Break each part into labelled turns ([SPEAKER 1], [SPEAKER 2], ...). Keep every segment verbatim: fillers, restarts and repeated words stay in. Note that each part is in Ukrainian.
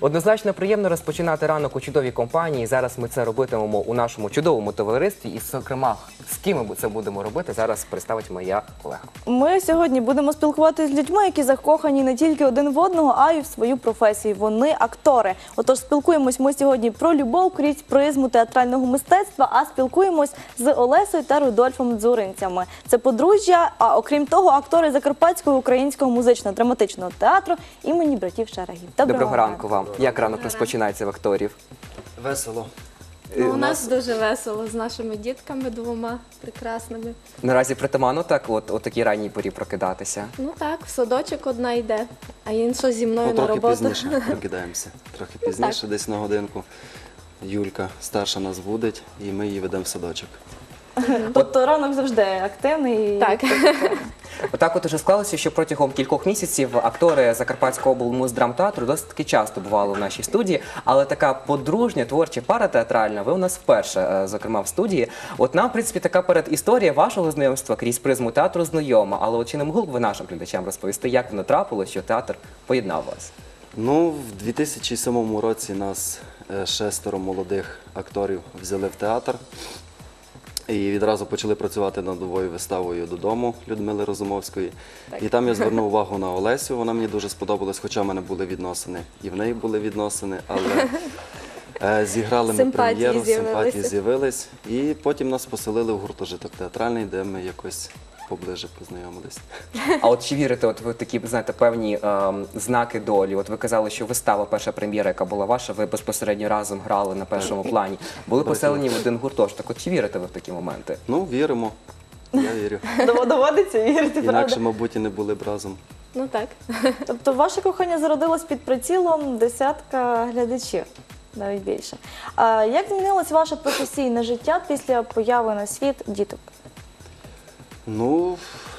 [SPEAKER 1] Однозначно приємно розпочинати ранок у чудовій компанії. Зараз ми це робитимемо у нашому чудовому товаристві. І, зокрема, з ким ми це будемо робити, зараз представить моя колега.
[SPEAKER 2] Ми сьогодні будемо спілкуватися з людьми, які закохані не тільки один в одного, а й в свою професію. Вони актори. Отож, спілкуємось ми сьогодні про любов крізь призму театрального мистецтва, а спілкуємось з Олесею та Рудольфом Дзуринцями. Це подружжя, а окрім того, актори Закарпатського українського музично-драматичного театру імені братів Шерегів.
[SPEAKER 1] Доброго ранку вам. Як ранок розпочинається в акторів?
[SPEAKER 3] Весело.
[SPEAKER 4] Ну, у нас дуже весело з нашими дітками двома прекрасними.
[SPEAKER 1] Наразі притаманно так от о такій ранній порі прокидатися?
[SPEAKER 4] Ну так, в садочок одна йде, а інша зі мною
[SPEAKER 3] Ну,
[SPEAKER 4] на
[SPEAKER 3] трохи
[SPEAKER 4] роботу.
[SPEAKER 3] пізніше прокидаємося. Трохи пізніше, десь на годинку. Юлька старша нас будить, і ми її ведемо в садочок.
[SPEAKER 2] Тобто ранок завжди активний. і-
[SPEAKER 4] Так.
[SPEAKER 1] Отак от уже склалося, що протягом кількох місяців актори Закарпатського облмуздрамтеатру досить таки часто бували в нашій студії, але така подружня, творча пара театральна, ви у нас вперше, е, зокрема, в студії. От нам, в принципі, така передісторія вашого знайомства крізь призму театру знайома, але от чи не могли б ви нашим глядачам розповісти, як воно трапилося, що театр поєднав вас?
[SPEAKER 3] Ну, в дві тисячі сьомому році нас е, шестеро молодих акторів взяли в театр. І відразу почали працювати над новою виставою «Додому» Людмили Розумовської. І там я звернув увагу на Олесю, вона мені дуже сподобалась, хоча в мене були відносини, і в неї були відносини, але е, зіграли ми
[SPEAKER 4] Симпатії
[SPEAKER 3] прем'єру,
[SPEAKER 4] з'явилися.
[SPEAKER 3] симпатії з'явились. І потім нас поселили в гуртожиток театральний, де ми якось поближе познайомились.
[SPEAKER 1] А от чи вірите, от ви такі, знаєте, певні ем, знаки долі? От ви казали, що вистава, перша прем'єра, яка була ваша, ви безпосередньо разом грали на першому плані, були поселені в один гуртожиток. От чи вірите ви в такі моменти?
[SPEAKER 3] Ну, віримо. Я вірю.
[SPEAKER 2] Дов- Доводиться вірити,
[SPEAKER 3] Інакше,
[SPEAKER 2] правда?
[SPEAKER 3] мабуть, і не були б разом.
[SPEAKER 4] Ну так.
[SPEAKER 2] Тобто ваше кохання зародилось під прицілом десятка глядачів, навіть більше. А як змінилось ваше професійне життя після появи на світ діток?
[SPEAKER 3] Ну,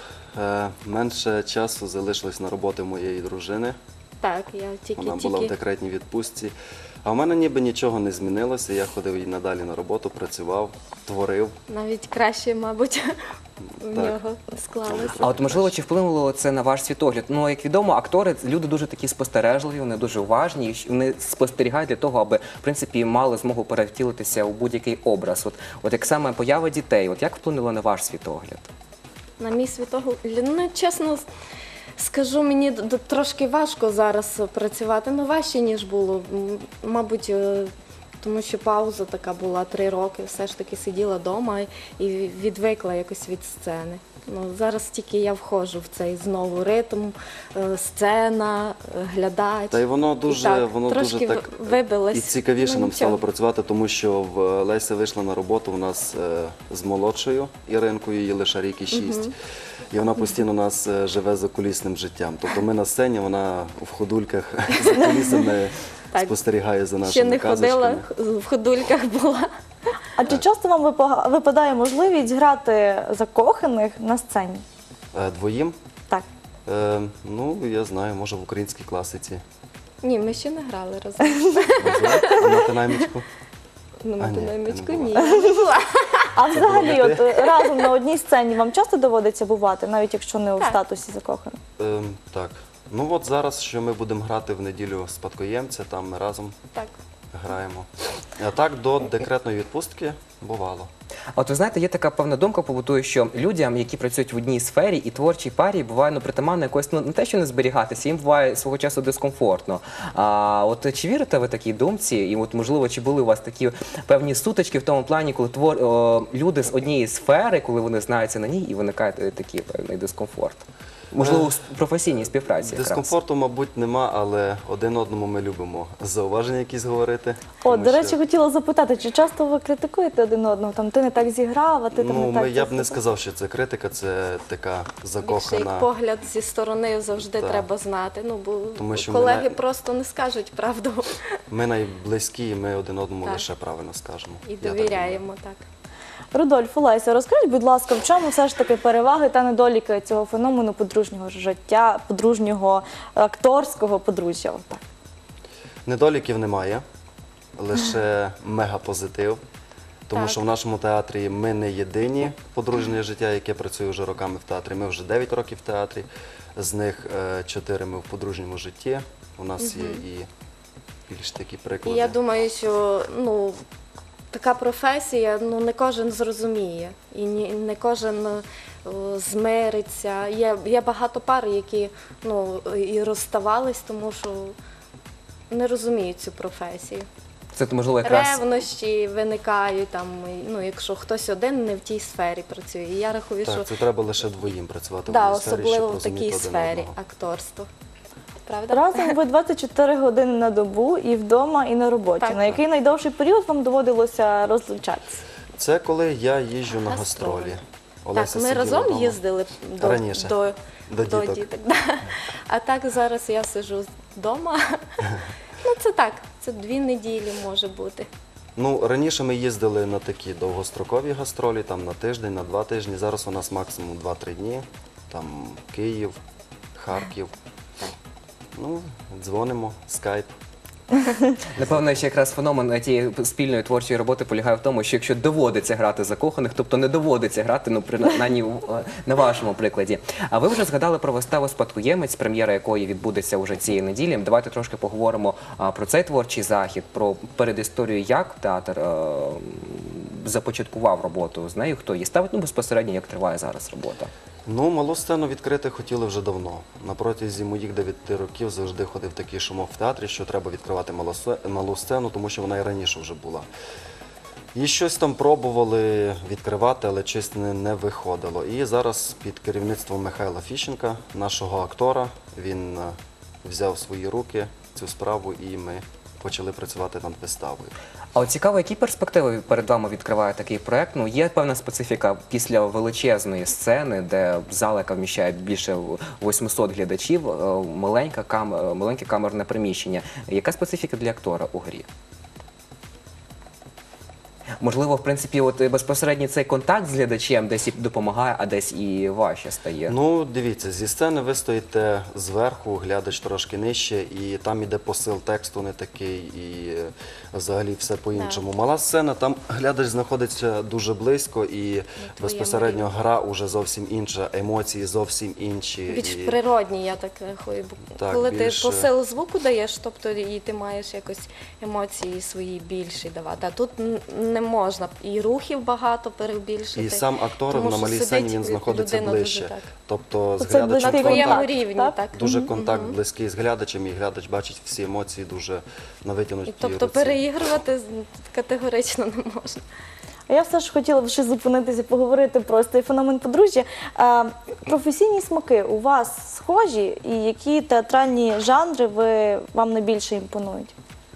[SPEAKER 3] е, менше часу залишилось на роботи моєї дружини.
[SPEAKER 4] Так, я
[SPEAKER 3] Вона була в
[SPEAKER 4] тільки-тільки.
[SPEAKER 3] декретній відпустці. А в мене ніби нічого не змінилося. Я ходив і надалі на роботу, працював, творив.
[SPEAKER 4] Навіть краще, мабуть, в
[SPEAKER 3] Так.
[SPEAKER 4] нього склалося.
[SPEAKER 1] А от можливо, чи вплинуло це на ваш світогляд? Ну, як відомо, актори люди дуже такі спостережливі, вони дуже уважні, і щ- вони спостерігають для того, аби в принципі мали змогу перевтілитися у будь-який образ. От, от як саме поява дітей, от як вплинуло на ваш світогляд?
[SPEAKER 4] На мій світогляд, ну, чесно скажу, мені д- д- трошки важко зараз працювати, ну важче, ніж було. М, Мабуть, е, тому що пауза така була три роки, все ж таки сиділа вдома і відвикла якось від сцени. Ну, зараз тільки я входжу в цей знову ритм, е, сцена, е, глядач.
[SPEAKER 3] Та й воно дуже,
[SPEAKER 4] так,
[SPEAKER 3] воно
[SPEAKER 4] трошки
[SPEAKER 3] дуже так
[SPEAKER 4] в- вибилось.
[SPEAKER 3] і цікавіше
[SPEAKER 4] Ну,
[SPEAKER 3] нам
[SPEAKER 4] нічого.
[SPEAKER 3] стало працювати, тому що в е, Леся вийшла на роботу у нас е, з молодшою Іринкою, їй лише рік і шість. І вона постійно у нас е, живе закулісним життям. Тобто ми на сцені, вона в ходульках за кулісами
[SPEAKER 4] Так.
[SPEAKER 3] спостерігає за нашими
[SPEAKER 4] Ще не
[SPEAKER 3] казочками.
[SPEAKER 4] ходила, в ходульках була.
[SPEAKER 2] А чи часто вам випа- випадає можливість грати закоханих на сцені?
[SPEAKER 3] Е, Двоїм?
[SPEAKER 2] Так.
[SPEAKER 3] Е, ну, я знаю, може в українській класиці.
[SPEAKER 4] Ні, ми ще не грали разом.
[SPEAKER 3] Можливо, а на Тинаймічку?
[SPEAKER 4] Ну,
[SPEAKER 3] А,
[SPEAKER 4] на
[SPEAKER 3] ні,
[SPEAKER 4] динамічку
[SPEAKER 3] ти не
[SPEAKER 4] ні.
[SPEAKER 3] була.
[SPEAKER 4] я не була.
[SPEAKER 2] А взагалі,
[SPEAKER 3] була
[SPEAKER 2] от е, разом на одній сцені вам часто доводиться бувати, навіть якщо не у
[SPEAKER 4] Так.
[SPEAKER 2] статусі закоханих?
[SPEAKER 3] Е, так. Ну от зараз, що ми будемо грати в неділю спадкоємця, там ми разом
[SPEAKER 4] Так.
[SPEAKER 3] граємо. А так, до декретної відпустки бувало.
[SPEAKER 1] А от ви знаєте, є така певна думка побутує, що людям, які працюють в одній сфері і творчій парі, буває ну, притаманно якось ну, не те, що не зберігатися, їм буває свого часу дискомфортно. А от чи вірите ви такій думці? І от можливо, чи були у вас такі певні сутички в тому плані, коли твор о, люди з однієї сфери, коли вони знаються на ній, і виникає е, такий певний дискомфорт? Можливо, у с- професійній співпраці якраз.
[SPEAKER 3] Дискомфорту, мабуть, нема, але один одному ми любимо зауваження якісь говорити.
[SPEAKER 2] О,
[SPEAKER 3] тому
[SPEAKER 2] до
[SPEAKER 3] що,
[SPEAKER 2] речі, хотіла запитати, чи часто ви критикуєте один одного? Там ти не так зіграв, а ти там
[SPEAKER 3] ну,
[SPEAKER 2] не так.
[SPEAKER 3] ми, я б
[SPEAKER 2] це
[SPEAKER 3] не
[SPEAKER 2] все?
[SPEAKER 3] сказав, що це критика, це така
[SPEAKER 4] Більше як
[SPEAKER 3] закохана.
[SPEAKER 4] погляд зі сторони завжди
[SPEAKER 3] Так.
[SPEAKER 4] треба знати. Ну, бо
[SPEAKER 3] Тому що ми
[SPEAKER 4] колеги
[SPEAKER 3] на-
[SPEAKER 4] просто не скажуть правду
[SPEAKER 3] Ми найблизькі, і ми один одному
[SPEAKER 4] Так.
[SPEAKER 3] лише правильно скажемо.
[SPEAKER 4] і
[SPEAKER 3] Я так
[SPEAKER 4] довіряємо так.
[SPEAKER 2] Рудольф, Олеся, розкажіть, будь ласка, в чому все ж таки переваги та недоліки цього феномену подружнього життя, подружнього акторського подружжя? Так.
[SPEAKER 3] Недоліків немає, лише мегапозитив. Тому
[SPEAKER 4] Так.
[SPEAKER 3] що в нашому театрі ми не єдині подружнє життя, яке працює вже роками в театрі. Ми вже дев'ять років в театрі, з них чотири ми в подружньому житті. У нас є і більш такі
[SPEAKER 4] І
[SPEAKER 3] приклади.
[SPEAKER 4] я думаю, що ну, така професія, ну не кожен зрозуміє, і ні- не кожен е, змириться. Є, є багато пар, які ну, і розставались, тому що не розуміють цю професію.
[SPEAKER 1] Це можливо якраз
[SPEAKER 4] Ревнощі виникають, там, і, ну, якщо хтось один не в тій сфері працює. І я рахую, що
[SPEAKER 3] Так, це треба лише двоїм працювати
[SPEAKER 4] да,
[SPEAKER 3] в одній сфері,
[SPEAKER 4] особливо
[SPEAKER 3] щоб
[SPEAKER 4] в такій
[SPEAKER 3] розуміти один
[SPEAKER 4] сфері
[SPEAKER 3] одного.
[SPEAKER 4] акторство. Правда?
[SPEAKER 2] Разом ви двадцять чотири години на добу і вдома, і на роботі.
[SPEAKER 4] Так.
[SPEAKER 2] На який найдовший період вам доводилося розлучатися?
[SPEAKER 3] Це коли я їжджу на
[SPEAKER 4] Гастролі.
[SPEAKER 3] гастролі.
[SPEAKER 4] Так,
[SPEAKER 3] Олеся
[SPEAKER 4] ми
[SPEAKER 3] сиділа
[SPEAKER 4] разом
[SPEAKER 3] вдома.
[SPEAKER 4] їздили до,
[SPEAKER 3] Раніше.
[SPEAKER 4] до,
[SPEAKER 3] До
[SPEAKER 4] до
[SPEAKER 3] діток.
[SPEAKER 4] діток. Да. А так зараз я сиджу вдома. Ну це так, це дві неділі може бути.
[SPEAKER 3] Ну, раніше ми їздили на такі довгострокові гастролі, там на тиждень, на два тижні. Зараз у нас максимум два-три дні. Там Київ, Харків. Ну, дзвонимо, скайп.
[SPEAKER 1] напевно, ще якраз феномен тієї спільної творчої роботи полягає в тому, що якщо доводиться грати закоханих, тобто не доводиться грати, ну принаймні в- на вашому прикладі. А ви вже згадали про виставу «Спадкоємець», прем'єра якої відбудеться уже цієї неділі. Давайте трошки поговоримо а, про цей творчий захід, про передісторію, як театр е, започаткував роботу з нею, хто її ставить, ну безпосередньо як триває зараз робота.
[SPEAKER 3] Ну, малу сцену відкрити хотіли вже давно. На протязі моїх дев'яти років завжди ходив такий шумок в театрі, що треба відкривати малу сце- малу сцену, тому що вона і раніше вже була. І щось там пробували відкривати, але щось не, не виходило. І зараз під керівництвом Михайла Фіщенка, нашого актора, він е, взяв в свої руки цю справу і ми почали працювати над виставою.
[SPEAKER 1] А от цікаво, які перспективи перед вами відкриває такий проект? Ну, є певна специфіка після величезної сцени, де зала, яка вміщає більше восьмисот глядачів, е, маленька кам... е, маленьке камерне приміщення. Яка специфіка для актора у грі? Можливо, в принципі, от е, безпосередньо цей контакт з глядачем десь і допомагає, а десь і важче стає.
[SPEAKER 3] Ну, дивіться, зі сцени ви стоїте зверху, глядач трошки нижче, і там іде посил тексту не такий, і е, взагалі все по-іншому. Мала сцена, там глядач знаходиться дуже близько, і безпосередньо
[SPEAKER 4] рівні.
[SPEAKER 3] гра уже зовсім інша, емоції зовсім інші.
[SPEAKER 4] Більш
[SPEAKER 3] і...
[SPEAKER 4] природні, я так рахую. Бо
[SPEAKER 3] Так,
[SPEAKER 4] коли
[SPEAKER 3] більше-
[SPEAKER 4] ти посил звуку даєш, тобто і ти маєш якось емоції свої більші давати. А тут н- не можна. І рухів багато перебільшити.
[SPEAKER 3] І сам актор
[SPEAKER 4] Тому
[SPEAKER 3] на
[SPEAKER 4] що
[SPEAKER 3] малій
[SPEAKER 4] сидить
[SPEAKER 3] сцені він знаходиться
[SPEAKER 4] людина дуже
[SPEAKER 3] ближче.
[SPEAKER 4] так.
[SPEAKER 3] Тобто з
[SPEAKER 2] Оце
[SPEAKER 3] глядачем
[SPEAKER 2] близький
[SPEAKER 4] На твоєму
[SPEAKER 2] контакт,
[SPEAKER 4] рівні,
[SPEAKER 2] так?
[SPEAKER 4] так.
[SPEAKER 3] дуже контакт близький з глядачем, і глядач бачить всі емоції дуже на витягнутій
[SPEAKER 4] І, тобто
[SPEAKER 3] руці.
[SPEAKER 4] переігрувати з- категорично не можна.
[SPEAKER 2] А я все ж хотіла б ще зупинитися, поговорити про цей феномен подружжя. А, професійні смаки у вас схожі, і які театральні жанри ви, вам найбільше імпонують?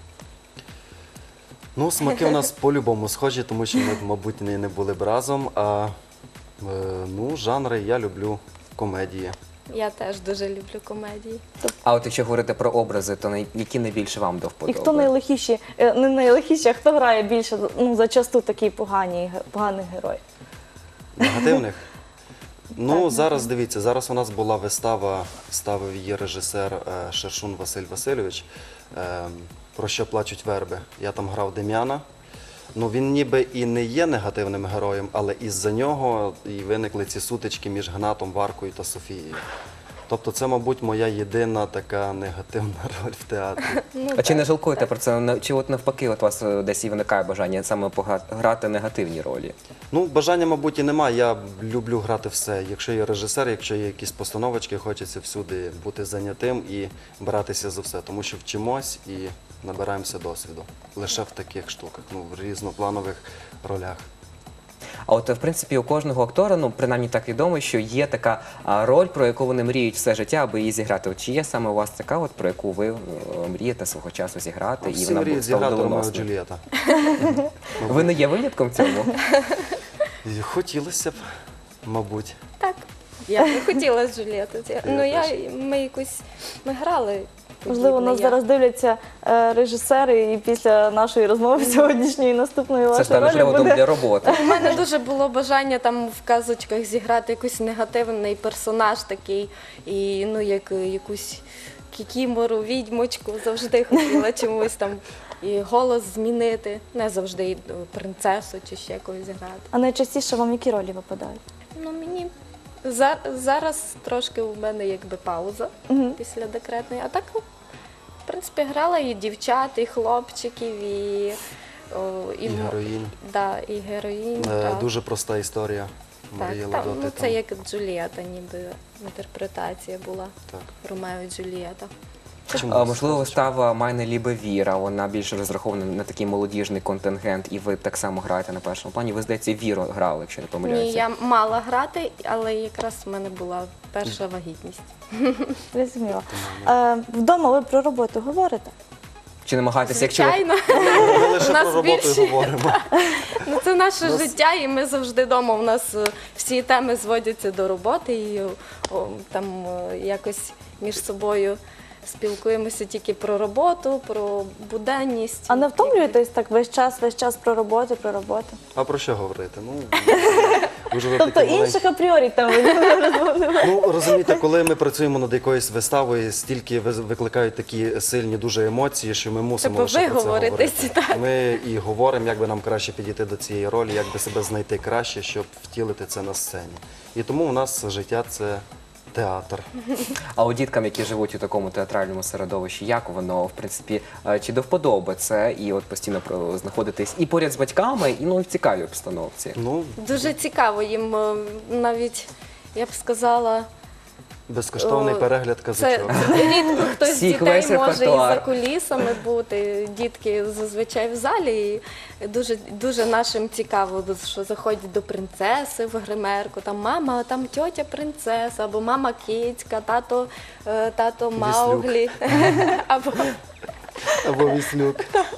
[SPEAKER 3] Ну, смаки у нас по-любому схожі, тому що ми, мабуть, не, не були б разом. А е, ну, жанри я люблю комедії.
[SPEAKER 4] Я теж дуже люблю комедії.
[SPEAKER 1] А от якщо говорити про образи, то най- які найбільше вам до
[SPEAKER 2] І
[SPEAKER 1] вподоби?
[SPEAKER 2] хто найлихіші, е, не найлихіші, а хто грає більше, ну, зачасту такий поганий, поганий герой?
[SPEAKER 3] Негативних? Ну, зараз дивіться, зараз у нас була вистава, ставив її режисер е, Шершун Василь Васильович, е, «Про що плачуть верби». Я там грав Дем'яна. Ну, він ніби і не є негативним героєм, але із-за нього і виникли ці сутички між Гнатом, Варкою та Софією. Тобто це, мабуть, моя єдина така негативна роль в театрі.
[SPEAKER 4] Ну,
[SPEAKER 1] А чи не
[SPEAKER 4] так,
[SPEAKER 1] жалкуєте
[SPEAKER 4] так.
[SPEAKER 1] про це? На- Чи от навпаки, от у вас е, десь і виникає бажання саме погра- грати негативні ролі?
[SPEAKER 3] Ну, бажання, мабуть, і немає. Я люблю грати все. Якщо є режисер, якщо є якісь постановочки, хочеться всюди бути зайнятим і братися за все. Тому що вчимось і набираємося досвіду. Лише в таких штуках, ну, в різнопланових ролях.
[SPEAKER 1] А от, в принципі, у кожного актора, ну, принаймні так відомо, що є така а, роль, про яку вони мріють все життя, аби її зіграти. От чи є саме у вас така, от, про яку ви е, мрієте свого часу зіграти?
[SPEAKER 3] Всі
[SPEAKER 1] вона
[SPEAKER 3] мріють
[SPEAKER 1] стала
[SPEAKER 3] зіграти Ромео і
[SPEAKER 1] доленосною?
[SPEAKER 3] Джульєта.
[SPEAKER 1] Ви не є винятком в цьому?
[SPEAKER 3] І хотілося б, мабуть.
[SPEAKER 4] Так. Я б хотіла з Джульєти. Ну, я,
[SPEAKER 3] теж.
[SPEAKER 4] ми якось, ми грали.
[SPEAKER 2] Можливо,
[SPEAKER 4] подібне,
[SPEAKER 2] нас
[SPEAKER 4] я.
[SPEAKER 2] зараз дивляться е, режисери, і після нашої розмови сьогоднішньої наступної
[SPEAKER 1] Це
[SPEAKER 2] вашої
[SPEAKER 1] стане
[SPEAKER 2] ролі
[SPEAKER 1] приводом
[SPEAKER 2] буде
[SPEAKER 1] для роботи.
[SPEAKER 4] У мене дуже було бажання там в казочках зіграти якийсь негативний персонаж такий, і ну як якусь кікімору, відьмочку, завжди хотіла чомусь там і голос змінити, не завжди і принцесу чи ще якось зіграти.
[SPEAKER 2] А найчастіше вам які ролі випадають?
[SPEAKER 4] Ну мені за- зараз трошки у мене якби пауза
[SPEAKER 2] Мгм.
[SPEAKER 4] після декретної, а так в принципі, принципі, грала і дівчат, і хлопчиків, і, о,
[SPEAKER 3] І героїнь.
[SPEAKER 4] Да, і героїнь.
[SPEAKER 3] Е,
[SPEAKER 4] так.
[SPEAKER 3] Дуже проста історія. Марії
[SPEAKER 4] Так, там,
[SPEAKER 3] Ладоти.
[SPEAKER 4] ну,
[SPEAKER 3] там.
[SPEAKER 4] це як Джулієта, ніби інтерпретація була.
[SPEAKER 3] Так.
[SPEAKER 4] Ромео і Джулієта.
[SPEAKER 3] Чому
[SPEAKER 1] А, можливо,
[SPEAKER 3] сказочка?
[SPEAKER 1] вистава «Майне лібе Віра», вона більше розрахована на такий молодіжний контингент, і ви так само граєте на першому плані. Ви, здається, Віру грали, якщо не помиляюся.
[SPEAKER 4] Ні, я мала грати, але якраз в мене була перша вагітність.
[SPEAKER 2] Зрозуміло. Е, Вдома ви про роботу говорите?
[SPEAKER 1] Чи намагаєтеся, якщо ви
[SPEAKER 4] Звичайно.
[SPEAKER 3] Ми лише
[SPEAKER 4] У нас
[SPEAKER 3] про роботу
[SPEAKER 4] більше-
[SPEAKER 3] і говоримо.
[SPEAKER 4] Ну, це наше
[SPEAKER 3] Нас-
[SPEAKER 4] життя, і ми завжди вдома. У нас е, всі теми зводяться до роботи, і о, там е, якось між собою спілкуємося тільки про роботу, про буденність.
[SPEAKER 2] А не втомлюєтесь так весь час, весь час про роботу, про роботу?
[SPEAKER 3] А про що говорити? Ну, ви ж ви
[SPEAKER 2] Тобто
[SPEAKER 3] такі
[SPEAKER 2] інших апріорі там ви не розмовляєте?
[SPEAKER 3] Ну, розумієте, коли ми працюємо над якоюсь виставою, стільки виз- викликають такі сильні дуже емоції, що ми мусимо
[SPEAKER 4] Треба
[SPEAKER 3] лише про це
[SPEAKER 4] виговоритись,
[SPEAKER 3] говорити.
[SPEAKER 4] так.
[SPEAKER 3] Ми і говоримо, як би нам краще підійти до цієї ролі, як би себе знайти краще, щоб втілити це на сцені. І тому у нас життя – це театр.
[SPEAKER 1] А у діткам, які живуть у такому театральному середовищі, як воно, в принципі, е, чи до вподоби це і от постійно про- знаходитись і поряд з батьками, і ну і в цікавій обстановці?
[SPEAKER 3] Ну,
[SPEAKER 4] Дуже цікаво їм е, навіть, я б сказала,
[SPEAKER 3] безкоштовний
[SPEAKER 4] О,
[SPEAKER 3] перегляд
[SPEAKER 4] це
[SPEAKER 3] казочок.
[SPEAKER 4] рідко хтось з
[SPEAKER 1] Всіх
[SPEAKER 4] дітей
[SPEAKER 1] весь
[SPEAKER 4] може і за
[SPEAKER 1] репертуар.
[SPEAKER 4] кулісами бути. Дітки зазвичай в залі. І дуже, дуже нашим цікаво, що заходять до принцеси в гримерку. Там мама, там тьотя принцеса, або мама кицька, тато, е, тато Мауглі. Або
[SPEAKER 3] Або Віслюк.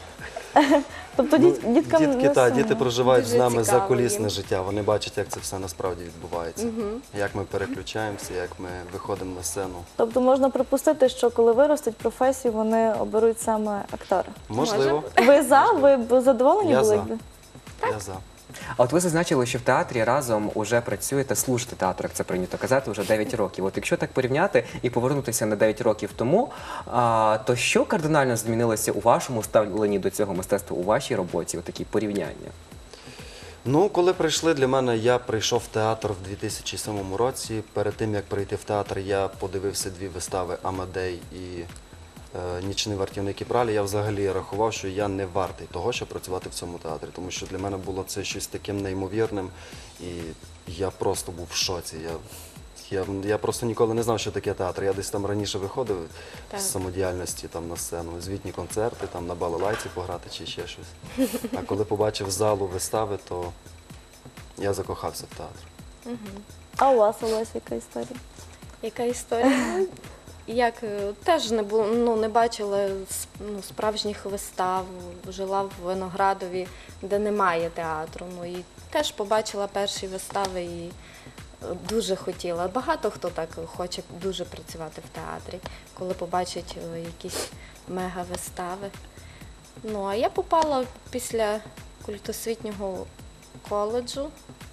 [SPEAKER 2] Тобто
[SPEAKER 3] Ну,
[SPEAKER 2] діт- діткам
[SPEAKER 3] дітки,
[SPEAKER 2] не
[SPEAKER 3] та,
[SPEAKER 2] сумно?
[SPEAKER 3] діти проживають
[SPEAKER 4] Дуже
[SPEAKER 3] з нами
[SPEAKER 4] цікаво
[SPEAKER 3] закулісне
[SPEAKER 4] їм.
[SPEAKER 3] життя. Вони бачать, як це все насправді відбувається. Як ми переключаємося, як ми виходимо на сцену.
[SPEAKER 2] Тобто можна припустити, що коли виростуть професію, вони оберуть саме актора.
[SPEAKER 3] Можливо,
[SPEAKER 2] Ви за? Ви б задоволені
[SPEAKER 3] Я
[SPEAKER 2] були?
[SPEAKER 3] за.
[SPEAKER 2] якби?
[SPEAKER 3] я за.
[SPEAKER 1] А от ви зазначили, що в театрі разом уже працюєте, служите театру, як це прийнято казати, вже дев'ять років. От якщо так порівняти і повернутися на дев'ять років тому, а, то що кардинально змінилося у вашому ставленні до цього мистецтва, у вашій роботі, от такі порівняння?
[SPEAKER 3] Ну, коли прийшли для мене, я прийшов в театр в дві тисячі сьомому році. Перед тим, як прийти в театр, я подивився дві вистави «Амадей» і е, «Нічний вартівник і пралі». Я взагалі рахував, що я не вартий того, щоб працювати в цьому театрі, тому що для мене було це щось таким неймовірним, і я просто був в шоці. Я, я, я просто ніколи не знав, що таке театр. Я десь там раніше виходив
[SPEAKER 4] Так.
[SPEAKER 3] з самодіяльності там, на сцену, звітні концерти, там, на балалайці пограти чи ще щось. А коли побачив залу вистави, то я закохався в театр.
[SPEAKER 2] А у вас, Олесь, яка історія?
[SPEAKER 4] яка історія? Ну, Як е, теж не було, ну не бачила с- ну, справжніх вистав, жила в Виноградові, де немає театру. Ну і теж побачила перші вистави і е, дуже хотіла. Багато хто так хоче дуже працювати в театрі, коли побачить е, якісь мега-вистави. Ну а я попала після культосвітнього коледжу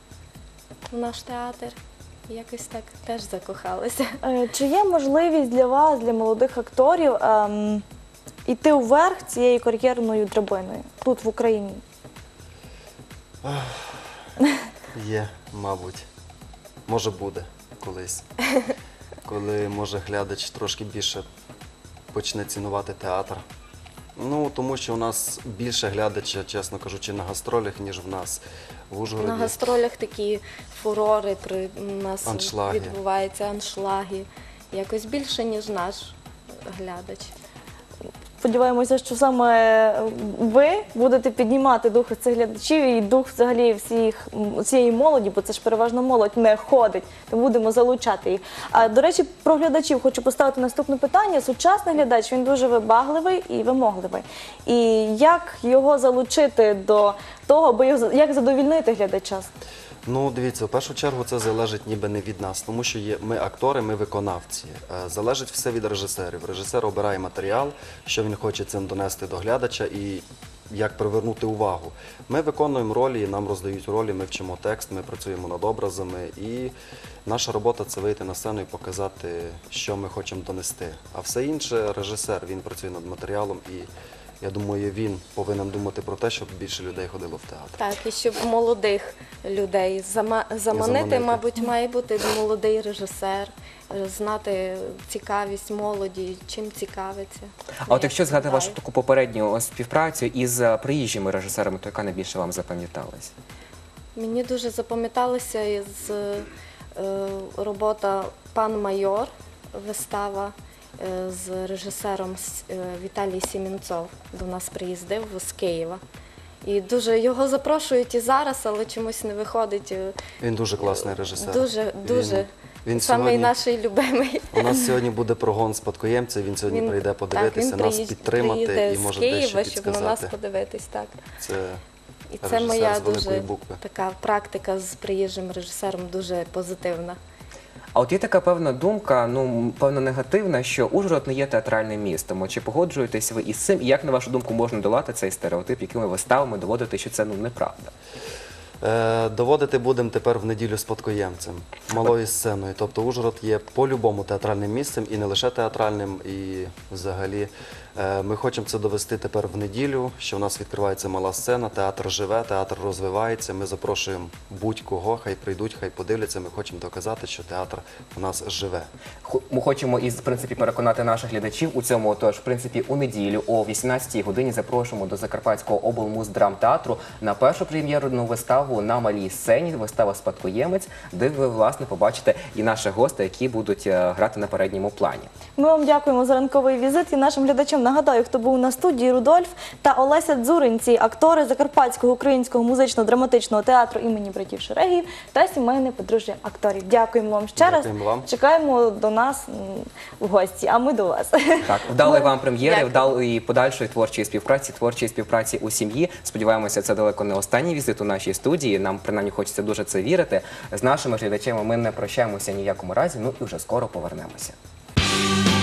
[SPEAKER 4] в наш театр. І якось так теж закохалася.
[SPEAKER 2] Е, Чи є можливість для вас, для молодих акторів, ем, іти вверх цією кар'єрною драбиною тут, в Україні?
[SPEAKER 3] Є, мабуть. Може буде колись. Коли, може, глядач трошки більше почне цінувати театр. Ну, тому що у нас більше глядача, чесно кажучи, на гастролях, ніж в нас в Ужгороді.
[SPEAKER 4] На гастролях такі фурори при у нас
[SPEAKER 3] Аншлаги.
[SPEAKER 4] відбуваються, аншлаги. Якось більше, ніж наш глядач.
[SPEAKER 2] Сподіваємося, що саме ви будете піднімати дух цих глядачів і дух взагалі всіх м, цієї молоді, бо це ж переважно молодь не ходить, то будемо залучати їх. А до речі, про глядачів хочу поставити наступне питання. Сучасний глядач, він дуже вибагливий і вимогливий. І як його залучити до того, аби його- як задовільнити глядача?
[SPEAKER 3] Ну, дивіться, в першу чергу це залежить ніби не від нас, тому що є, ми актори, ми виконавці. Е, Залежить все від режисерів. Режисер обирає матеріал, що він хоче цим донести до глядача і як привернути увагу. Ми виконуємо ролі, нам роздають ролі, ми вчимо текст, ми працюємо над образами. І наша робота – це вийти на сцену і показати, що ми хочемо донести. А все інше – режисер, він працює над матеріалом і Я думаю, він повинен думати про те, щоб більше людей ходило в театр.
[SPEAKER 4] Так, і щоб молодих людей зама- заманити,
[SPEAKER 3] заманити.
[SPEAKER 4] мабуть, має бути молодий режисер, е, знати цікавість молоді, чим цікавиться.
[SPEAKER 1] А от якщо згадати вашу
[SPEAKER 4] Вважаю.
[SPEAKER 1] таку попередню співпрацю із е, приїжджими режисерами, то яка найбільше вам запам'яталась?
[SPEAKER 4] Мені дуже запам'яталася із е, робота «Пан майор», вистава е, з режисером С- е, Віталій Сімінцов. До нас приїздив з Києва. І дуже його запрошують і зараз, але чомусь не виходить. е,
[SPEAKER 3] Він дуже класний режисер.
[SPEAKER 4] Дуже, дуже.
[SPEAKER 3] Він, він
[SPEAKER 4] Самий
[SPEAKER 3] сьогодні,
[SPEAKER 4] наш любимий.
[SPEAKER 3] у нас сьогодні буде прогон спадкоємця, він сьогодні
[SPEAKER 4] Він-
[SPEAKER 3] прийде подивитися,
[SPEAKER 4] так, він
[SPEAKER 3] нас
[SPEAKER 4] приїзд-
[SPEAKER 3] підтримати
[SPEAKER 4] приїде
[SPEAKER 3] і
[SPEAKER 4] з
[SPEAKER 3] може дещо
[SPEAKER 4] Києва, щоб на нас
[SPEAKER 3] підсказати.
[SPEAKER 4] подивитись. Так.
[SPEAKER 3] Це
[SPEAKER 4] І це
[SPEAKER 3] режисер
[SPEAKER 4] моя
[SPEAKER 3] з великої
[SPEAKER 4] дуже
[SPEAKER 3] букви.
[SPEAKER 4] така практика з приїжджим режисером дуже позитивна.
[SPEAKER 1] А от є така певна думка, ну певно негативна, що Ужгород не є театральним містом. От чи погоджуєтесь ви із цим? І як на вашу думку можна долати цей стереотип, якими виставами доводити, що це ну неправда?
[SPEAKER 3] Е, доводити будемо тепер в неділю спадкоємцем, малою сценою. Тобто Ужгород є по-любому театральним місцем і не лише театральним, і взагалі е, ми хочемо це довести тепер в неділю, що в нас відкривається мала сцена, театр живе, театр розвивається. Ми запрошуємо будь-кого, хай прийдуть, хай подивляться. Ми хочемо доказати, що театр у нас живе.
[SPEAKER 1] Хо- Ми хочемо із в принципі переконати наших глядачів у цьому. Тож, в принципі, у неділю о вісімнадцятій годині запрошуємо до Закарпатського облмуздрамтеатру на першу прем'єрну виставу на малій сцені. Вистава «Спадкоємець», де ви власне побачите і наших гостей, які будуть е, грати на передньому плані.
[SPEAKER 2] Ми вам дякуємо за ранковий візит і нашим глядачам нагадаю, хто був на студії: Рудольф та Олеся Дзуринці, актори Закарпатського українського музично-драматичного театру імені братів Шерегіїв та сімейне подружжя акторів. Дякуємо вам ще раз.
[SPEAKER 3] Дякуємо вам.
[SPEAKER 2] Чекаємо до нас м, в гості, а ми до вас.
[SPEAKER 1] Так, вдалої вам прем'єри,
[SPEAKER 4] Дякую.
[SPEAKER 1] вдалої подальшої творчої співпраці, творчої співпраці у сім'ї. Сподіваємося, це далеко не останній візит у нашій студії. Нам принаймні хочеться дуже це вірити. З нашими глядачами ми не прощаємося ні в якому разі. Ну і вже скоро повернемося.